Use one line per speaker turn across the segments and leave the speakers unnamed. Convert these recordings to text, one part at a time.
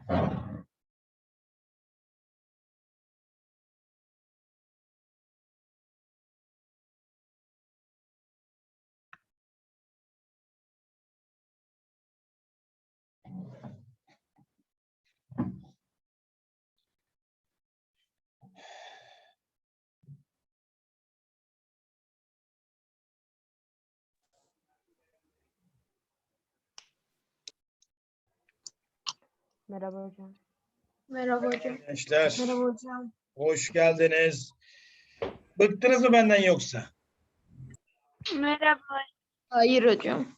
Merhaba hocam.
Merhaba hocam.
Gençler,
Merhaba hocam.
hoş geldiniz. Bıktınız mı benden yoksa?
Merhaba. Hayır hocam.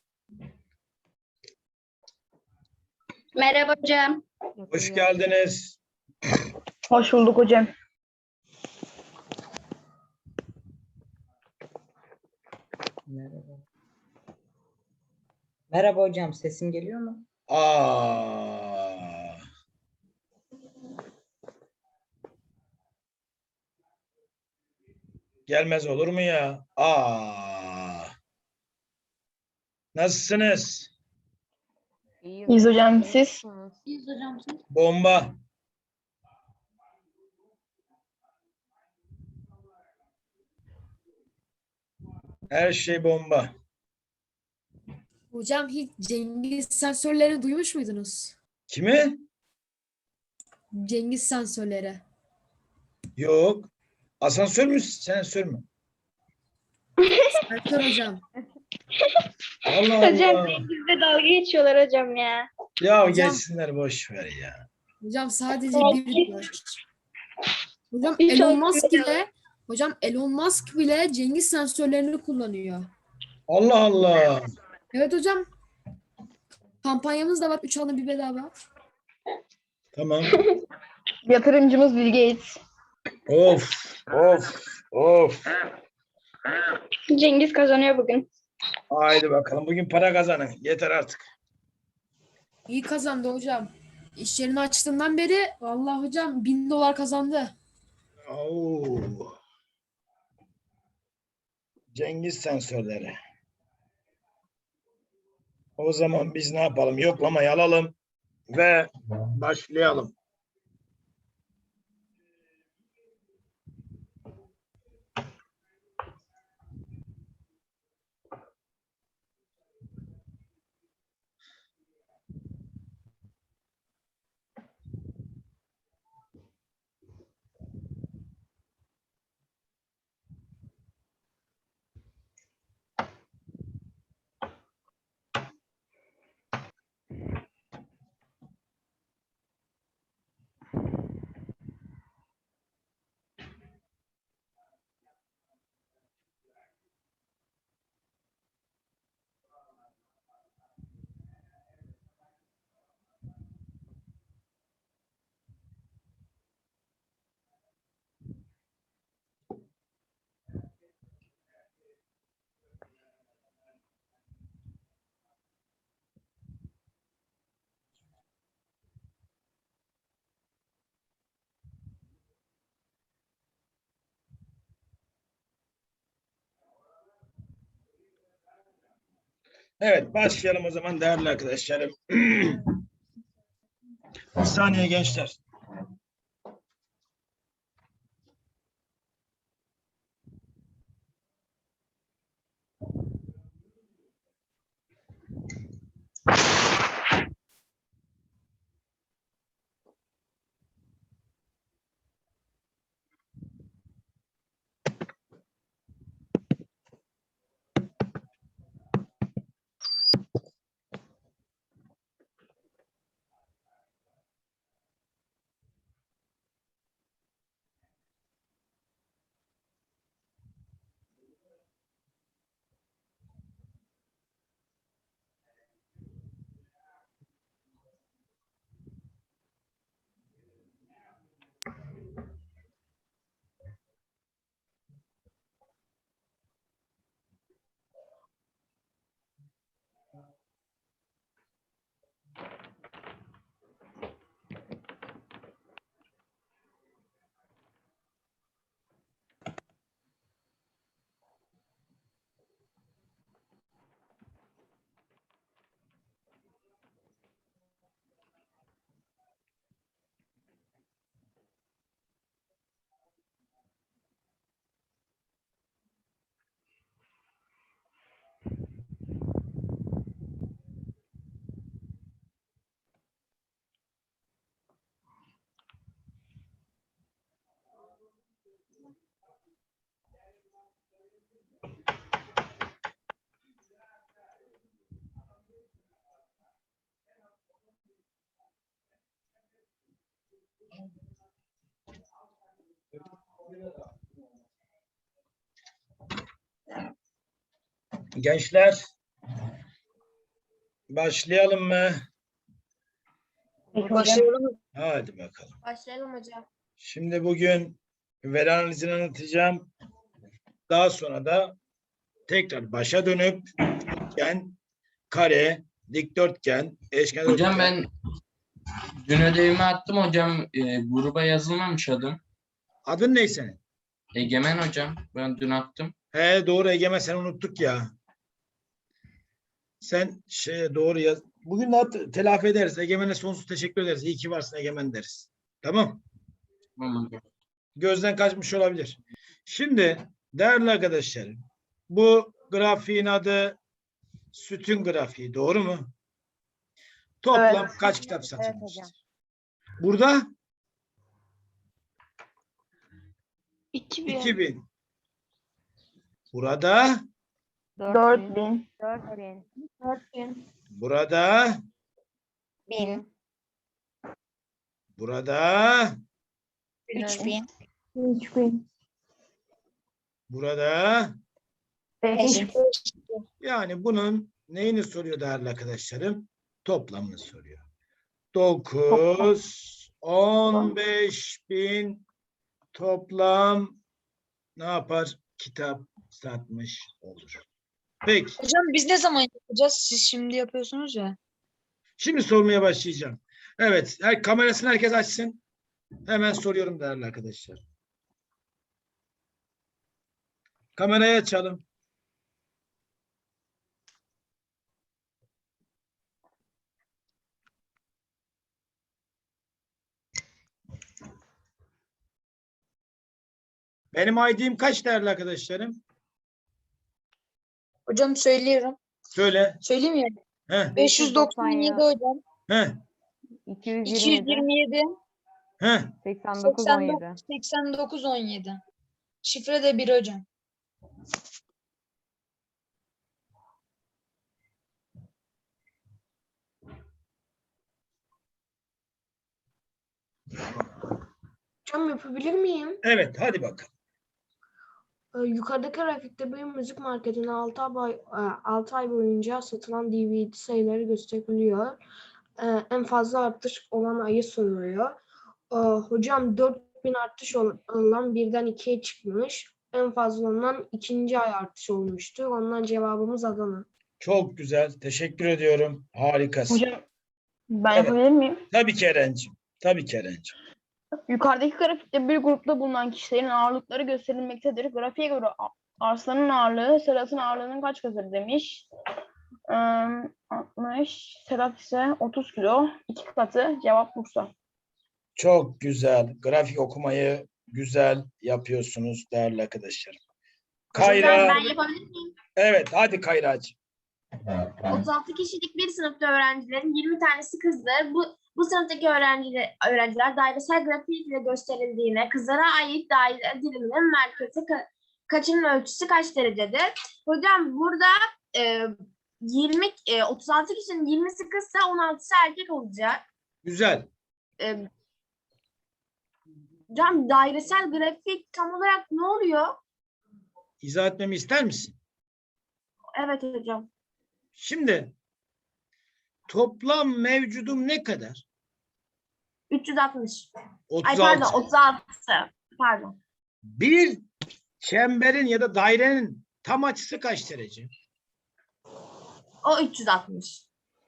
Merhaba hocam.
Hoş geldiniz.
Hoş bulduk hocam.
Merhaba. Merhaba hocam, sesim geliyor mu?
Aa. Gelmez olur mu ya? Nasılsınız?
İyiyiz hocam, siz?
İyiyiz hocam.
Bomba. Her şey bomba.
Hocam hiç Cengiz sensörlerini duymuş muydunuz?
Kimi?
Cengiz sensörleri.
Yok. Asansör mü, sensör mü?
Sensör hocam.
Allah
Hocam
Allah.
Cengiz'le dalga geçiyorlar hocam ya.
Ya
Hocam-
geçsinler, boş ver ya.
Hocam sadece bir Hocam
Hiç
Elon Musk
olmuyor.
bile Cengiz sensörlerini kullanıyor.
Allah Allah.
Evet hocam. Kampanyamız da var. 3 alın bir bedava.
Tamam.
Yatırımcımız Bill Gates.
Of, of, of.
Cengiz kazanıyor bugün.
Haydi bakalım. Bugün para kazanın. Yeter artık.
İyi kazandı hocam. İş yerini açtığından beri vallahi hocam 1000 dolar kazandı.
Oo. Cengiz sensörleri. O zaman biz ne yapalım? Yoklamayı alalım ve başlayalım. Evet, başlayalım o zaman değerli arkadaşlarım. Bir saniye gençler. Gençler, başlayalım mı?
Başlayalım.
Hadi bakalım.
Başlayalım hocam.
Şimdi bugün veri analizini anlatacağım. Daha sonra da tekrar başa dönüp üçgen, kare, dikdörtgen, eşkenar
Hocam
üçgen.
ben dün ödevimi attım hocam. Gruba yazılmamış adım.
Adın ne senin?
Egemen hocam. Ben dün attım.
He doğru Egemen, sen unuttuk ya. Sen doğru yaz. Bugün de telafi ederiz. Egemen'e sonsuz teşekkür ederiz. İyi ki varsın Egemen deriz. Tamam.
Tamam hocam.
Gözden kaçmış olabilir. Şimdi değerli arkadaşlarım, bu grafiğin adı sütun grafiği. Doğru mu? Toplam
Evet.
kaç kitap satılmıştır? Burada
2000.
2000. Burada
4000.
4000.
burada
1000.
burada
3000.
3000.
burada
Beş.
yani bunun neyini soruyor değerli arkadaşlarım? Toplamını soruyor. 9 15.000 toplam ne yapar? Kitap satmış olur. Peki.
Hocam biz ne zaman yapacağız? Siz şimdi yapıyorsunuz ya.
Şimdi sormaya başlayacağım. Evet. Kamerasını herkes açsın. Hemen soruyorum değerli arkadaşlar. Kamerayı açalım. Benim ID'm kaç değerli arkadaşlarım?
Hocam söylüyorum.
Söyle.
Söyleyeyim ya.
Heh,
597 hocam.
heh,
227.
heh.
89 17. Şifre de 1 hocam.
Hocam yapabilir miyim?
Evet, hadi bakalım.
Yukarıdaki grafikte bir müzik marketine 6 ay boyunca satılan DVD sayıları gösteriliyor. En fazla artış olan ayı soruyor. Hocam 4000 artış olan birden 2'ye çıkmış. En fazla olan ikinci ay artış olmuştu. Ondan cevabımız Adana.
Çok güzel. Teşekkür ediyorum. Harikasın.
Hocam ben
Evet.
yapabilir miyim?
Tabii ki Eren'cim. Tabii ki Eren'cim.
Yukarıdaki grafikte bir grupta bulunan kişilerin ağırlıkları gösterilmektedir. Grafiğe göre Arslan'ın ağırlığı Sedat'ın ağırlığının kaç katıdır demiş. 60, Sedat ise 30 kilo. 2 katı. Cevap Bursa.
Çok güzel. Grafik okumayı güzel yapıyorsunuz değerli arkadaşlarım. Kayra.
Ben yapabilir miyim?
Evet, hadi Kayracığım.
36 kişilik bir sınıfta öğrencilerin 20 tanesi kızdı. Bu sınıftaki öğrenciler dairesel grafik ile gösterildiğine kızlara ait daire diliminin merkezi kaçının ölçüsü kaç derecedir? Hocam burada 36 kişinin 20'si kızsa 16'sı erkek olacak.
Güzel.
Hocam dairesel grafik tam olarak ne oluyor?
İzah etmemi ister misin?
Evet hocam.
Şimdi toplam mevcudum ne kadar?
360.
36.
Ay pardon 36. Pardon.
Bir çemberin ya da dairenin tam açısı kaç derece?
O 360.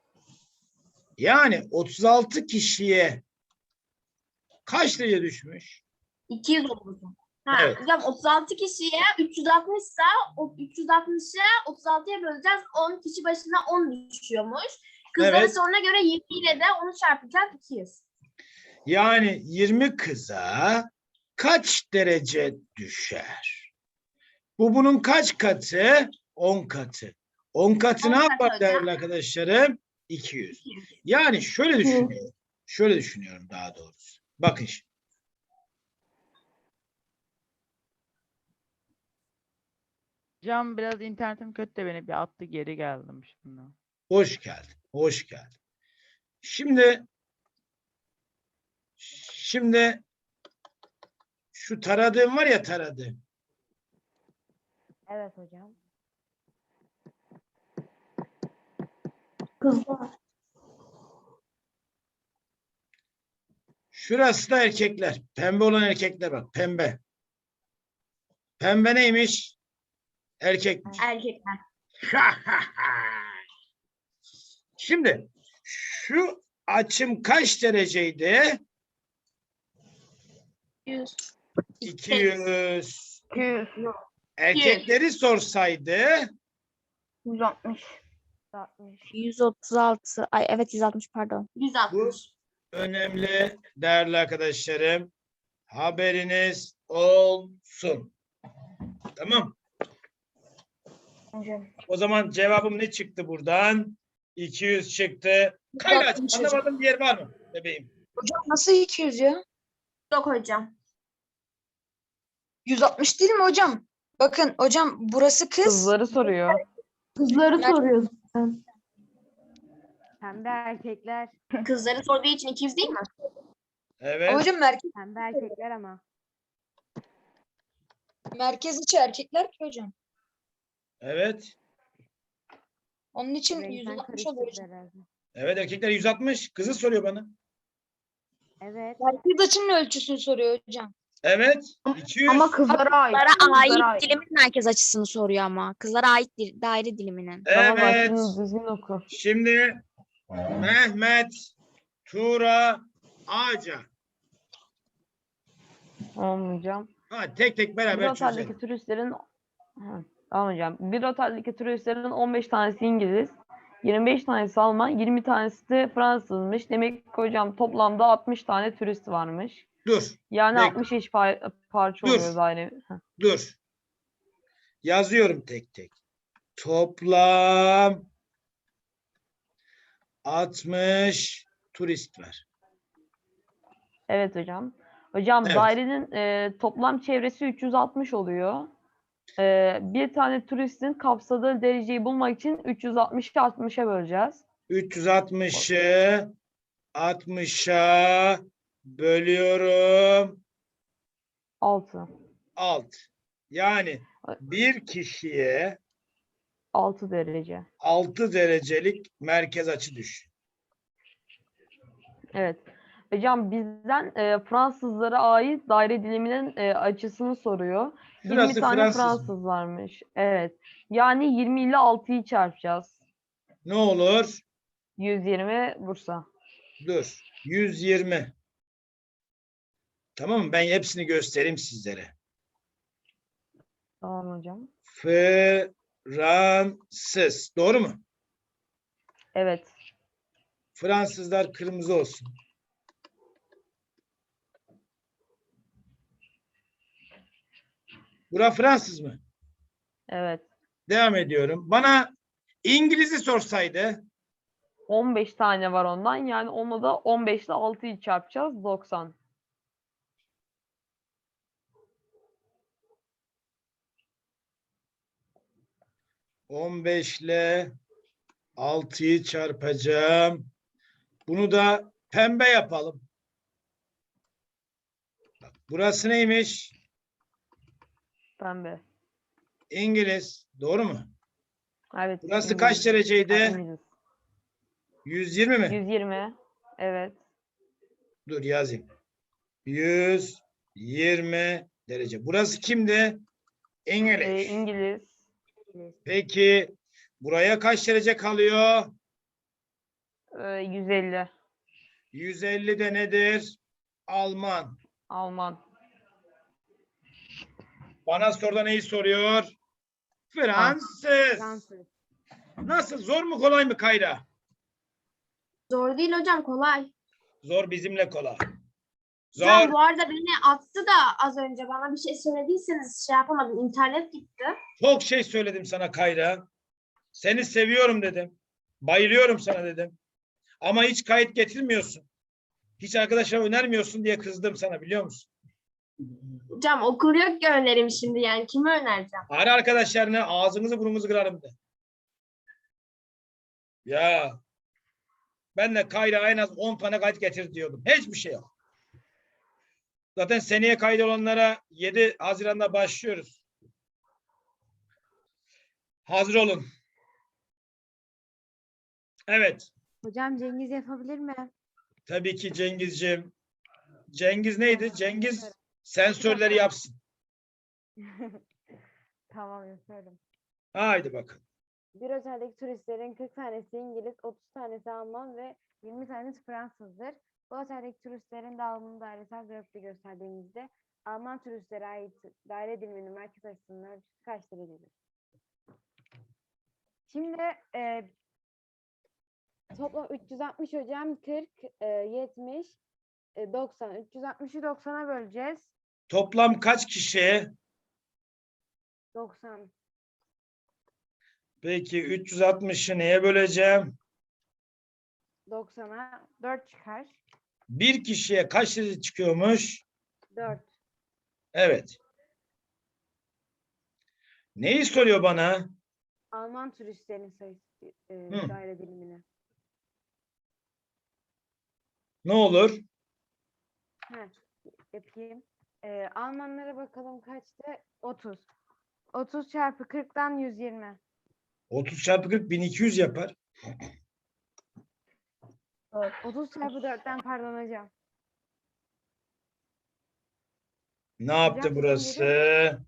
Yani 36 kişiye kaç derece düşmüş?
200 olur. Ha,
Evet.
hocam 36 kişiye 360 ise o 360'ı 36'ya böleceğiz. 10 kişi başına 10 düşüyormuş. Kızların
Evet.
soruna göre 20 ile de onu çarpacağız 200.
Yani 20 kıza kaç derece düşer? Bu bunun kaç katı? 10 katı. 10 katı
10
ne
katı
yapar
hocam.
değerli arkadaşlarım? 200.
200.
Yani şöyle düşünüyorum. Şöyle düşünüyorum daha doğrusu. Bakın şimdi.
Hocam biraz internetim kötü de beni bir attı geri geldim şimdi.
Hoş geldin. Hoş geldin. Şimdi Şimdi şu taradığım var ya, taradığım.
Evet hocam.
Kızlar.
Şurası da erkekler. Pembe olan erkekler bak. Pembe. Pembe neymiş? Erkekmiş.
Erkekler.
Şimdi şu açım kaç dereceydi?
100.
200.
200,
Erkekleri sorsaydı
160.
136. Ay evet 160 pardon.
160.
önemli değerli arkadaşlarım. Haberiniz olsun. Tamam.
Hocam.
O zaman cevabım ne çıktı buradan? 200 çıktı. Kaynaç,
160 hocam.
anlamadığım bir yer var mı bebeğim?
Hocam nasıl 200 ya?
Yok hocam.
160 değil mi hocam? Bakın hocam burası kız.
Kızları soruyor.
Kızları soruyorsun.
Pembe erkekler.
Kızları sorduğu için 200 değil mi?
Evet.
Ama hocam
Pembe erkekler ama.
merkez içi erkekler ki hocam.
Evet.
Onun için 160 oluyor hocam.
Evet, erkekler 160. Kızı soruyor bana.
Evet.
Merkez açının ölçüsünü soruyor hocam.
Evet. 200.
Ama kızlara ait.
Kızlara
kızlara
ait dilimin merkez açısını soruyor ama. Kızlara ait daire diliminin.
Evet.
Düzgün oku.
Şimdi Mehmet, Tuğra, Ağaca.
Tamam hocam.
Ha, tek tek
Bir
beraber çözelim.
oteldeki turistlerin tamam hocam. Bir oteldeki turistlerin 15 tanesi İngiliz, 25 tanesi Alman, 20 tanesi de Fransızmış. Demek ki hocam toplamda 60 tane turist varmış.
Dur,
Yani
Bekle.
60 eş parça
Dur.
oluyor daire.
dur. Yazıyorum tek tek. Toplam 60 turist var.
Evet hocam. Hocam
Evet.
dairenin toplam çevresi 360 oluyor. Bir tane turistin kapsadığı dereceyi bulmak için 360'ı 60'a böleceğiz.
360'ı 60'a bölüyorum
6.
6. Yani bir kişiye
6 derece.
6 derecelik merkez açı düşün.
Evet. Hocam bizden Fransızlara ait daire diliminin açısını soruyor. 20
Şurası
tane
Fransız mı?
Fransız varmış. Evet. Yani 20 ile 6'yı çarpacağız.
Ne olur?
120 Bursa.
Dur. 120. Tamam mı? Ben hepsini göstereyim sizlere.
Tamam hocam.
Fransız. Doğru mu?
Evet.
Fransızlar kırmızı olsun. Bura Fransız mı?
Evet.
Devam ediyorum. Bana İngiliz'i sorsaydı
15 tane var ondan. Yani onu da 15 ile 6'yı çarpacağız. 90.
...15 ile 6'yı çarpacağım. Bunu da pembe yapalım. Bak, burası neymiş?
Pembe.
İngiliz. Doğru mu?
Evet.
Burası kaç
İngiliz.
dereceydi?
İngiliz.
120 mi?
120. Evet.
Dur yazayım. 120 derece. Burası kimdi? İngiliz.
İngiliz.
Peki buraya kaç derece kalıyor?
150.
150 de nedir? Alman.
Alman.
Bana soruda neyi soruyor? Fransız.
Fransız.
Nasıl? Zor mu kolay mı Kayra?
Zor değil hocam, kolay.
Zor bizimle kolay. Zor.
Hocam bu arada beni attı da az önce, bana bir şey söylediyseniz şey yapamadım. İnternet gitti.
Çok şey söyledim sana Kayra. Seni seviyorum dedim. Bayılıyorum sana dedim. Ama hiç kayıt getirmiyorsun. Hiç arkadaşlara önermiyorsun diye kızdım sana, biliyor musun?
Hocam okul yok ki önerim şimdi, yani kime önereceğim?
Ara arkadaşlarına ağzınızı burnunuzu kırarım de. Ya ben de Kayra en az 10 tane kayıt getir diyordum. Hiçbir şey yok. Zaten seneye kaydolanlara 7 Haziran'da başlıyoruz. Hazır olun. Evet.
Hocam Cengiz yapabilir mi?
Tabii ki Cengizciğim. Cengiz neydi? Cengiz sensörleri yapsın.
Tamam yapıyorum.
Haydi bakalım.
Bir oteldeki turistlerin 40 tanesi İngiliz, 30 tanesi Alman ve 20 tanesi Fransızdır. Bu oteldeki turistlerin dağılımını dairesel grafikte gösterdiğimizde Alman turistlere ait daire diliminin merkez açısının ölçüsü kaç derecedir? Şimdi toplam 360 hocam, 40, 70, 90. 360'ı 90'a böleceğiz.
Toplam kaç kişiye?
90.
Peki 360'ı neye böleceğim?
90'a 4 çıkar.
Bir kişiye kaç derece çıkıyormuş?
4.
Evet. Neyi soruyor bana?
Alman turistlerin sayısı daire dilimini.
Ne olur?
Yapayım. Almanlara bakalım kaçtı? 30. 30 çarpı 40'tan 120.
30 çarpı 40 1200 yapar.
30 çarpı 4'ten pardon hocam.
Ne yaptı
Hocam,
burası?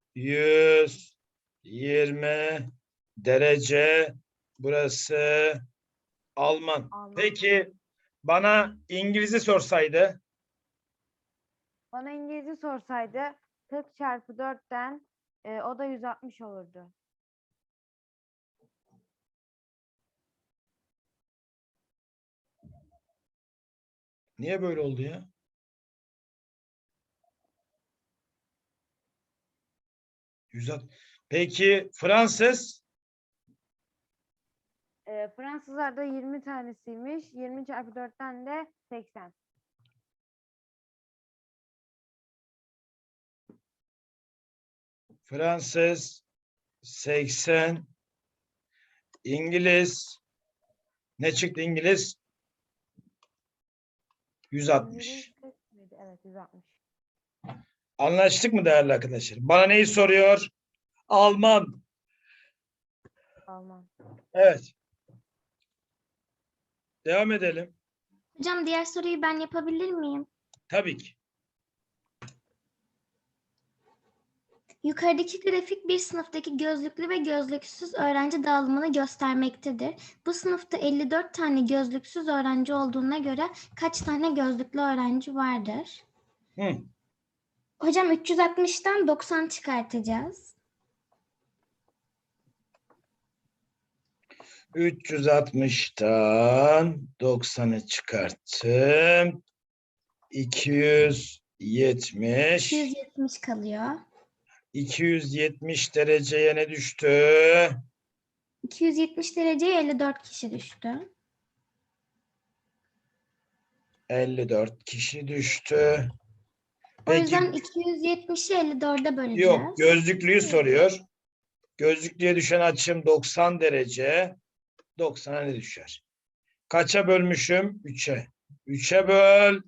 120 derece. Burası Alman.
Alman.
Peki bana İngiliz'i sorsaydı?
Bana İngilizce sorsaydı 40 çarpı 4'ten o da 160 olurdu.
Niye böyle oldu ya? Peki Fransız?
Fransızlarda 20 tanesiymiş. 20 çarpı 4'ten de 80.
Fransız 80. İngiliz ne çıktı İngiliz? 160.
İngiliz kaç mıydı? Evet 160.
Anlaştık mı değerli arkadaşlar? Bana neyi soruyor? Alman.
Alman.
Evet. Devam edelim.
Hocam diğer soruyu ben yapabilir miyim?
Tabii ki.
Yukarıdaki grafik bir sınıftaki gözlüklü ve gözlüksüz öğrenci dağılımını göstermektedir. Bu sınıfta 54 tane gözlüksüz öğrenci olduğuna göre kaç tane gözlüklü öğrenci vardır?
Hı.
Hocam 360'tan 90 çıkartacağız.
360'tan 90'ı çıkarttım. 270.
270 kalıyor.
270 dereceye ne düştü?
270 dereceye 54 kişi düştü.
54 kişi düştü.
O
Peki,
yüzden 270'i 54'e böleceğiz.
yok, gözlüklüyü soruyor. Gözlüklüye düşen açım 90 derece. 90'a ne düşer? Kaça bölmüşüm? 3'e. 3'e böl.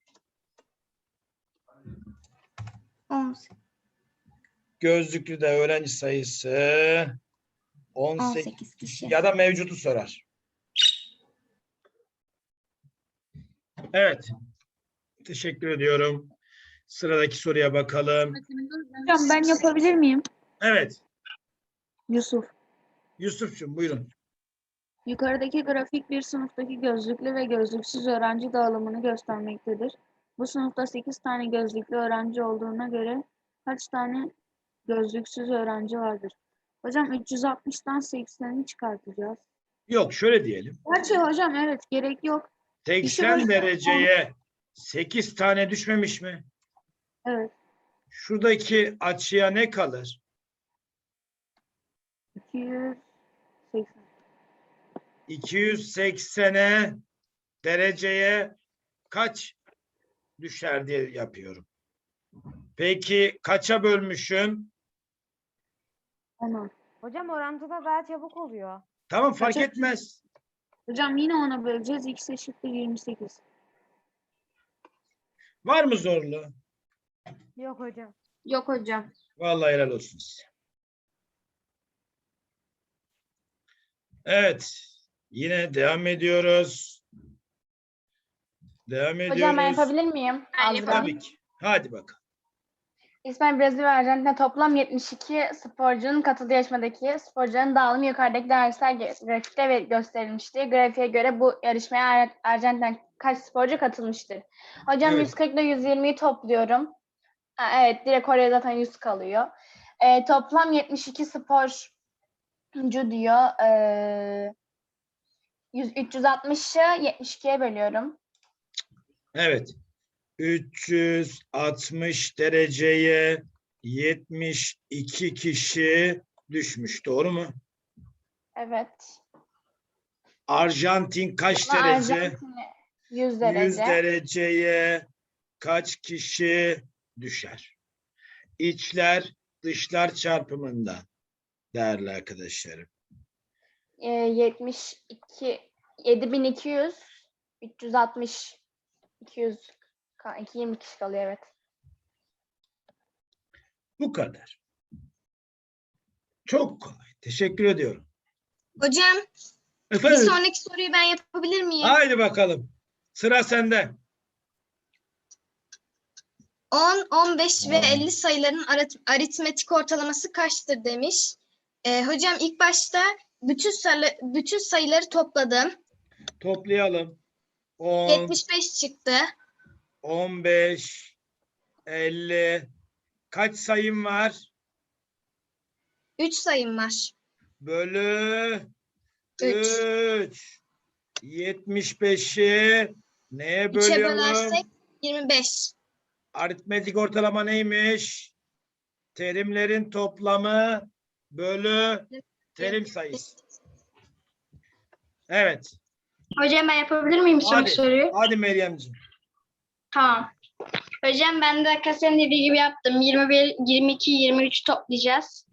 18.
Gözlüklü de öğrenci sayısı 18
kişi.
ya da mevcutu sorar. Evet. Teşekkür ediyorum. Sıradaki soruya bakalım.
Hocam ben yapabilir miyim?
Evet.
Yusuf.
Yusuf'cum buyurun.
Yukarıdaki grafik bir sınıftaki gözlüklü ve gözlüksüz öğrenci dağılımını göstermektedir. Bu sınıfta 8 tane gözlüklü öğrenci olduğuna göre kaç tane gözlüksüz öğrenci vardır? Hocam 360'tan 80'i çıkartacağız.
Yok şöyle diyelim.
Gerçi hocam evet gerek yok.
80 dereceye 8 tane düşmemiş mi?
Evet.
Şuradaki açıya ne kalır?
280.
280'e dereceye kaç düşer diye yapıyorum. Peki kaça bölmüşüm?
10'a.
Hocam orantıda daha çabuk oluyor.
Tamam fark
Kaça?
etmez.
Hocam yine 10'a böleceğiz. X eşittir 28.
Var mı zorlu?
Yok hocam.
Yok hocam.
Vallahi helal olsun size. Evet. Yine devam ediyoruz. Devam ediyoruz.
Hocam ben yapabilir miyim?
Ben
Azra.
Tabii ki. Hadi bakalım.
İspanya, Brezilya ve Arjantin'de toplam 72 sporcunun katıldığı yarışmadaki sporcuların dağılımı yukarıdaki dersler grafikte gösterilmiştir. Grafiğe göre bu yarışmaya Arjantin'den kaç sporcu katılmıştır? Hocam
Evet.
140 ile 120'yi topluyorum. Ha, evet, direkt oraya zaten 100 kalıyor. Toplam 72 sporcu diyor. 360'ı 72'ye bölüyorum.
Evet. 360 dereceye 72 kişi düşmüş. Doğru mu?
Evet.
Arjantin kaç
Ama
derece?
Arjantin'e 100
100
derece.
dereceye kaç kişi düşer? İçler dışlar çarpımında değerli arkadaşlarım.
72 7200 360 200 20 kişi kalıyor, evet.
Bu kadar. Çok kolay. Teşekkür ediyorum.
Hocam
Efendim?
sonraki soruyu ben yapabilir miyim?
Haydi bakalım. Sıra sende.
10, 15 ve 50 sayıların aritmetik ortalaması kaçtır demiş. Hocam ilk başta bütün sayıları topladım.
Toplayalım. 10,
75 çıktı.
15, 50. Kaç sayım var?
3 sayım var.
Bölü
Üç.
3. 75'i neye
3'e
bölüyorum?
bölersek 25.
Aritmetik ortalama neymiş? Terimlerin toplamı bölü terim sayısı. Evet.
Hocam ben yapabilir miyim
Hadi.
soruyu?
Hadi Meryemciğim.
Tamam. Hocam ben de arkadaşların dediği gibi yaptım. 21, 22, 23 toplayacağız.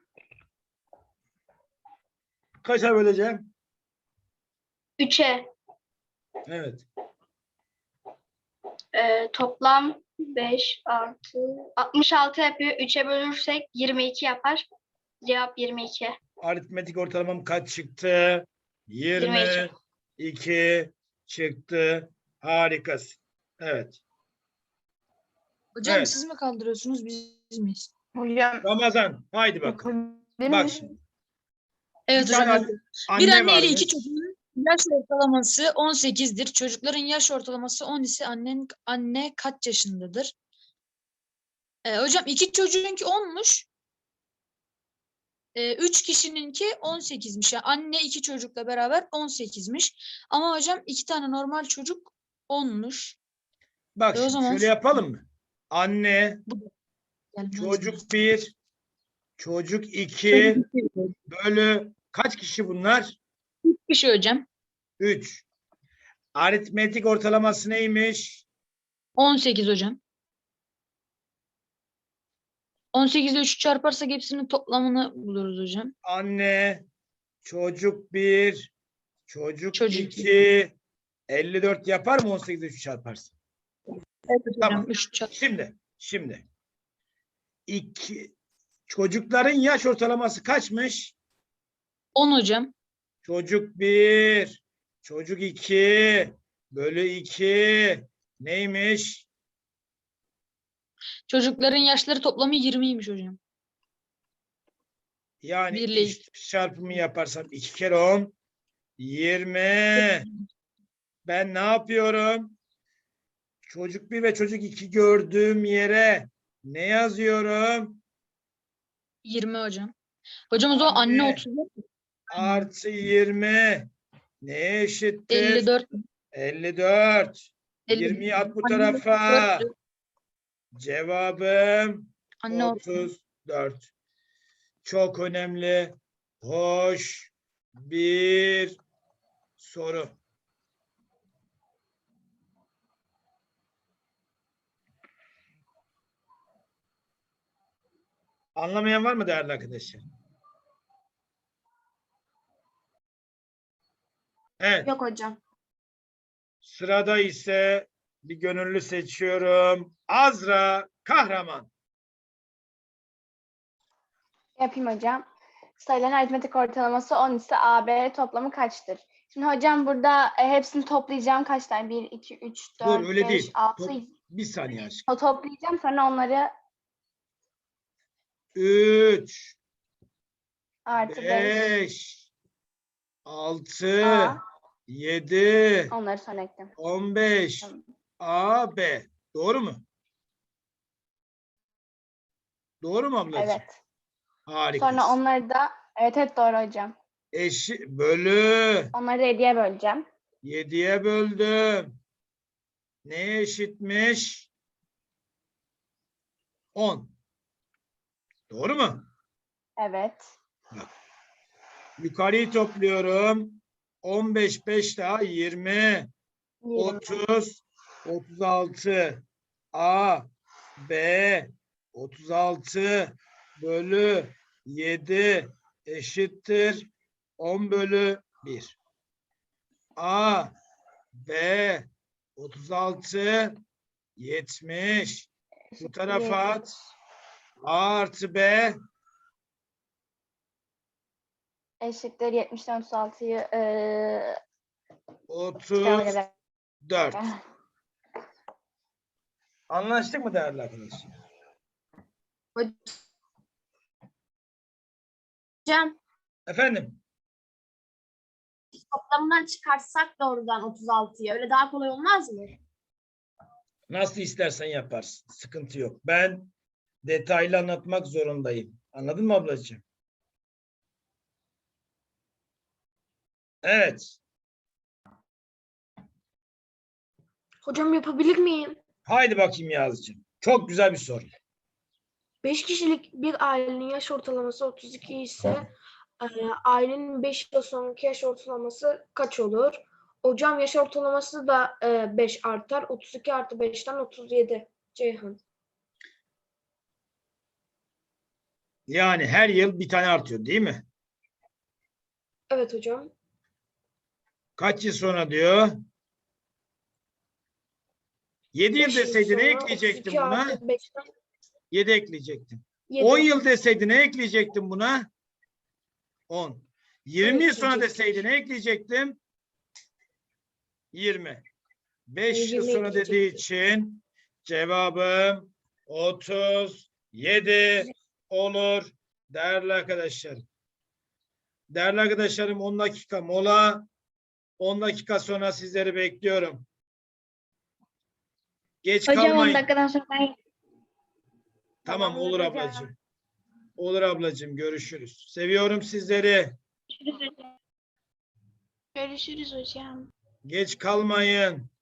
Kaça böleceğim?
3'e
Evet.
toplam 5 artı 66 yapıyor. 3'e bölürsek 22 yapar. Cevap 22.
Aritmetik ortalamam kaç çıktı? 22 çıktı. Harikasın. Evet.
Hocam
Evet.
siz mi kaldırıyorsunuz biz miyiz?
Hocam
Ramazan. Haydi bakalım. Bak şimdi.
Evet
Bir tane
hocam.
anne
Bir anne ile
varmış.
iki çocuğun yaş ortalaması 18'dir. Çocukların yaş ortalaması 10 ise anne kaç yaşındadır? Hocam iki çocuğunki 10'muş. 3 kişininki 18'miş. Yani anne iki çocukla beraber 18'miş. Ama hocam iki tane normal çocuk 10'muş.
Bak
o
şimdi
zaman
şöyle yapalım mı? Anne,
Gelmez mi?
çocuk 1, çocuk 2 bölü kaç kişi bunlar?
Bir şey hocam.
3. Aritmetik ortalaması neymiş?
18 hocam. 18 ile 3'ü çarparsak hepsinin toplamını buluruz hocam.
Anne, çocuk 1, çocuk
Çocuk
2, 54 yapar mı 18 ile 3 çarparsın?
Evet
Tamam.
hocam. 3 çarp.
Şimdi. Çocukların yaş ortalaması kaçmış?
10 hocam.
Çocuk 1, çocuk 2 bölü 2 neymiş?
Çocukların yaşları toplamı 20'ymiş hocam.
Yani
Bir ile
iç çarpımı yaparsam 2 kere 10 20. Ben ne yapıyorum? Çocuk 1 ve çocuk 2 gördüğüm yere ne yazıyorum?
20 hocam. Hocam o zaman anne
Anne.
34.
Artı 20 neye eşittir?
54.
54. 20'yi at bu tarafa. Cevabım
Anne
34. Çok önemli, hoş bir soru. Anlamayan var mı değerli arkadaşlar? Evet.
Yok hocam.
Sırada ise bir gönüllü seçiyorum. Azra Kahraman.
Yapayım hocam. Sayıların aritmetik ortalaması 10 ise AB toplamı kaçtır? Şimdi hocam burada hepsini toplayacağım. Kaç tane? 1, 2, 3, 4,
Dur öyle
5,
değil.
6.
Bir saniye aşkım.
O toplayacağım sonra onları
3,
artı 5
5, 6,
A.
7,
Onları sonra ekledim.
15,
Tamam.
A, B. Doğru mu? Doğru mu ablacığım?
Evet.
Harikasın.
Sonra onları da evet doğru hocam.
Bölü.
Onları da 7'ye böleceğim.
7'ye böldüm. Neye eşitmiş? 10. Doğru mu?
Evet.
Yukarıyı topluyorum. 15, 5 daha 20.
20.
30, 36. A, B, 36 bölü 7 eşittir 10 bölü 1. A, B, 36, 70. Bu tarafa at. A artı B
Eşittir 70'ten 36'yı
34. Anlaştık mı değerli arkadaşlar?
Hocam
Efendim?
toplamından çıkartsak doğrudan 36'yı. Öyle daha kolay olmaz mı?
Nasıl istersen yaparsın. Sıkıntı yok. Ben detaylı anlatmak zorundayım. Anladın mı ablacığım? Evet.
Hocam yapabilir miyim?
Haydi bakayım Yazıcığım. Çok güzel bir soru.
5 kişilik bir ailenin yaş ortalaması 32 ise ailenin 5 yıl sonraki yaş ortalaması kaç olur? Hocam yaş ortalaması da 5 artar. 32 artı 5'ten 37. Ceyhan.
Yani her yıl bir tane artıyor değil mi?
Evet hocam.
Kaç yıl sonra diyor? 7 yıl
5 yıl
deseydi ne
sonra
ekleyecektin
32
buna?
artı 5'ten
7 ekleyecektin.
7.
10 yıl deseydi ne ekleyecektin buna? 10. 20 yıl sonra deseydi ne ekleyecektim? 20. 5 yıl
20
sonra dediği için cevabım 37 olur. Değerli arkadaşlarım. Değerli arkadaşlarım 10 dakika mola. 10 dakika sonra sizleri bekliyorum. Geç
Hocam 10
kalmayın.
dakikadan sonra ben
Tamam olur
Tamamdır hocam.
ablacığım. Olur ablacığım görüşürüz. Seviyorum sizleri.
Görüşürüz hocam.
Geç kalmayın.